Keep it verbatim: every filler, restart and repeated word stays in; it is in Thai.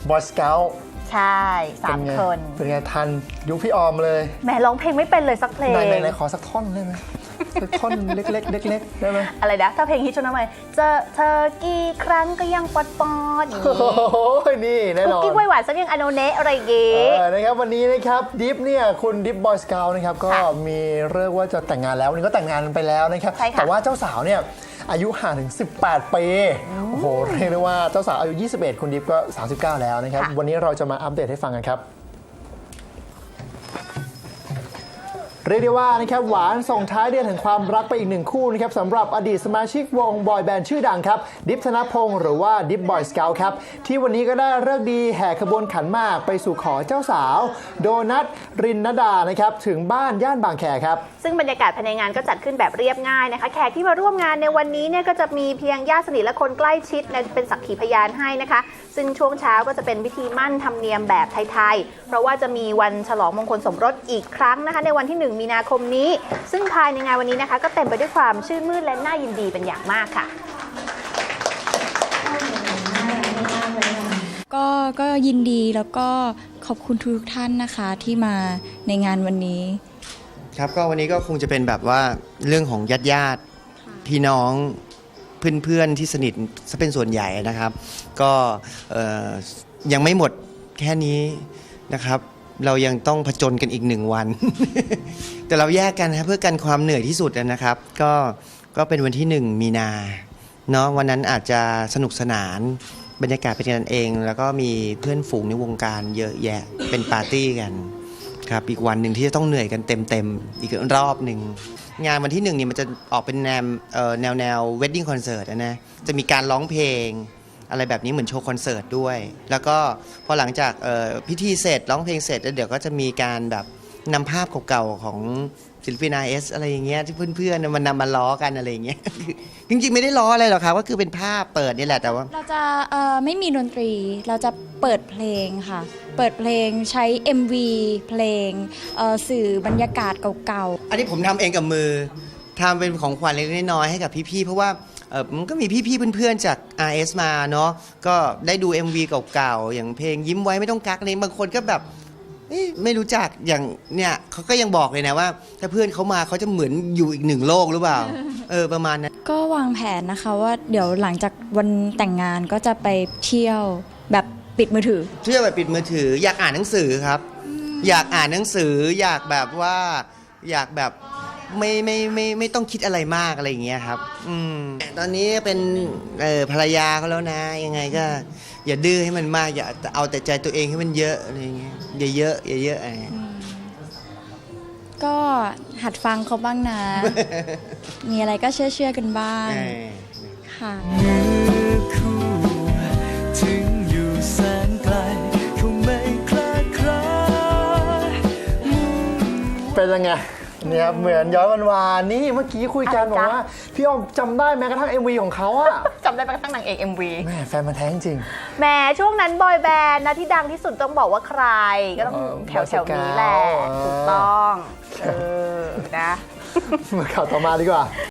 Boy Scout ใช่สามคนเป็นไงทันยุคพี่ออมเลยแหมร้องเพลงไม่เป็นเลยสักเพลงไหนไหนขอสักท่อนได้ไหมสักท่อนเล็กๆเล็กๆได้ไหมอะไรนะถ้าเพลงฮิตช่วงนั้นไปเจอเธอกี่ครั้งก็ยังปอดปอดอย่างนี้โอ้ยนี่แน่นอนคุกกี้ไวหวานสักยังอโนเนะอะไรอย่างงี้นะครับวันนี้นะครับดิฟเนี่ยคุณดิฟบอยสเกลนะครับก็มีเรื่องว่าจะแต่งงานแล้ววันนี้ก็แต่งงานไปแล้วนะครับแต่ว่าเจ้าสาวเนี่ยอายุห่างถึงสิบแปดปีโอ้โหเรียกได้ว่าเจ้าสาวอายุยี่สิบเอ็ดคุณดิฟก็สามสิบเก้าแล้วนะครับวันนี้เราจะมาอัปเดตให้ฟังกันครับเรียกได้ว่านะครับหวานส่งท้ายเดือนแห่งความรักไปอีกหนึ่งคู่นะครับสำหรับอดีตสมาชิกวงบอยแบนด์ชื่อดังครับดิฟธนพงศ์หรือว่าดิฟบอยสเกลครับที่วันนี้ก็ได้ฤกษ์ดีแห่ขบวนขันหมากไปสู่ขอเจ้าสาวโดนัทรินนดานะครับถึงบ้านย่านบางแคครับซึ่งบรรยากาศภายในงานก็จัดขึ้นแบบเรียบง่ายนะคะแขกที่มาร่วมงานในวันนี้เนี่ยก็จะมีเพียงญาติสนิทและคนใกล้ชิดเป็นสักขีพยานให้นะคะซึ่งช่วงเช้าก็จะเป็นพิธีมั่นธรรมเนียมแบบไทยๆเพราะว่าจะมีวันฉลองมงคลสมรสอีกครั้งนะคะในวันที่หนึ่งมีนาคมนี้ซึ่งภายในงานวันนี้นะคะก็เต็มไปด้วยความชื่นมื่นและน่ายินดีเป็นอย่างมากค่ะก็ก็ยินดีแล้วก็ขอบคุณทุกท่านนะคะที่มาในงานวันนี้ครับก็วันนี้ก็คงจะเป็นแบบว่าเรื่องของญาติญาติพี่น้องเพื่อนๆที่สนิทซะเป็นส่วนใหญ่นะครับก็ยังไม่หมดแค่นี้นะครับเรายังต้องผจญกันอีกหนึ่งวัน แต่เราแยกกันนะเพื่อกันความเหนื่อยที่สุดนะครับก็ก็เป็นวันที่หนึ่งมีนาเนาะวันนั้นอาจจะสนุกสนานบรรยากาศเป็นกันเองแล้วก็มีเพื่อนฝูงในวงการเยอะแยะเป็นปาร์ตี้กันครับอีกวันหนึ่งที่จะต้องเหนื่อยกันเต็มๆอีกรอบหนึ่งงานวันที่หนึ่งนี่มันจะออกเป็นแนวแนวแนวเวดดิ้งคอนเสิร์ตนะจะมีการร้องเพลงอะไรแบบนี้เหมือนโชว์คอนเสิร์ตด้วยแล้วก็พอหลังจากพิธีเสร็จร้องเพลงเสร็จแล้วเดี๋ยวก็จะมีการแบบนำภาพเก่าๆของศิลปิน อาร์ เอส อะไรอย่างเงี้ยที่เพื่อนๆมันนำมาล้อกันอะไรอย่างเงี้ยจริงๆไม่ได้ล้ออะไรหรอกครับก็คือเป็นภาพเปิดนี่แหละแต่ว่าเราจะไม่มีดนตรีเราจะเปิดเพลงค่ะเปิดเพลงใช้ เอ็ม วี เพลงสื่อบรรยากาศเก่าๆอันนี้ผมทำเองกับมือทำเป็นของขวัญเล็กๆน้อยๆให้กับพี่ๆเพราะว่าเออมันก็มีพี่ๆเพื่อนๆจาก อาร์ เอส มาเนาะก็ได้ดู เอ็ม วี เก่าๆอย่างเพลงยิ้มไว้ไม่ต้องกักนี่บางคนก็แบบไม่รู้จักอย่างเนี่ยเขาก็ยังบอกเลยนะว่าถ้าเพื่อนเขามาเขาจะเหมือนอยู่อีกหนึ่งโลกหรือเปล่าเออประมาณนั้นก็วางแผนนะคะว่าเดี๋ยวหลังจากวันแต่งงานก็จะไปเที่ยวแบบปิดมือถือเที่ยวแบบปิดมือถืออยากอ่านหนังสือครับอยากอ่านหนังสืออยากแบบว่าอยากแบบไม่ไม่ไม่ไม่ต้องคิดอะไรมากอะไรอย่างเงี้ยครับอืมตอนนี้เป็นเออภรรยาเขาแล้วนะยังไงก็อย่าดื้อให้มันมากอย่าเอาแต่ใจตัวเองให้มันเยอะอะไรอย่างเงี้ยอย่าเยอะอย่าเยอะอะไรก็หัดฟังเขาบ้างนะ มีอะไรก็เชื่อเชื่อกันบ้างค่ะเป็นยังไงเนี่ยเหมือนย้อนวันวานนี่เมื่อกี้คุยกันบอกว่าพี่ออมจำได้แม้กระทั่ง เอ็ม วี ของเขาอะจำได้แม้กระทั่งนางเอก เอ็ม วีแม่แฟนมันแท้จริงแหมช่วงนั้นบอยแบนด์นะที่ดังที่สุดต้องบอกว่าใครก็ต้องแถวแถวนี้แหละถูกต้องเออนะมาข่าวต่อมาดีกว่า